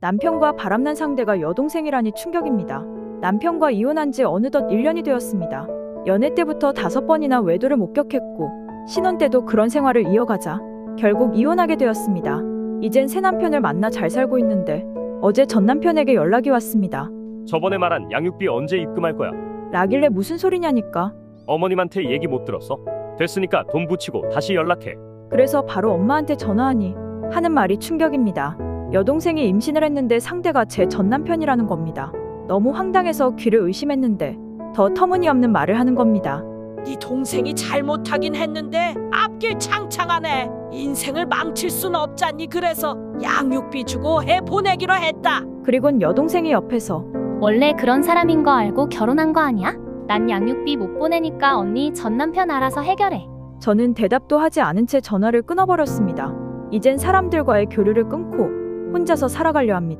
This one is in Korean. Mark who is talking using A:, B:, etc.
A: 남편과 바람난 상대가 여동생이라니 충격입니다. 남편과 이혼한 지 어느덧 1년이 되었습니다. 연애 때부터 5번이나 외도를 목격했고 신혼 때도 그런 생활을 이어가자 결국 이혼하게 되었습니다. 이젠 새 남편을 만나 잘 살고 있는데 어제 전 남편에게 연락이 왔습니다.
B: 저번에 말한 양육비 언제 입금할 거야?
A: 라길래 무슨 소리냐니까.
B: 어머님한테 얘기 못 들었어? 됐으니까 돈 붙이고 다시 연락해.
A: 그래서 바로 엄마한테 전화하니 하는 말이 충격입니다. 여동생이 임신을 했는데 상대가 제 전 남편이라는 겁니다. 너무 황당해서 귀를 의심했는데 더 터무니없는 말을 하는 겁니다.
C: 네 동생이 잘못하긴 했는데 앞길 창창하네. 인생을 망칠 순 없잖니. 그래서 양육비 주고 해 보내기로 했다.
A: 그리곤 여동생이 옆에서
D: 원래 그런 사람인 거 알고 결혼한 거 아니야? 난 양육비 못 보내니까 언니 전 남편 알아서 해결해.
A: 저는 대답도 하지 않은 채 전화를 끊어버렸습니다. 이젠 사람들과의 교류를 끊고 혼자서 살아가려 합니다.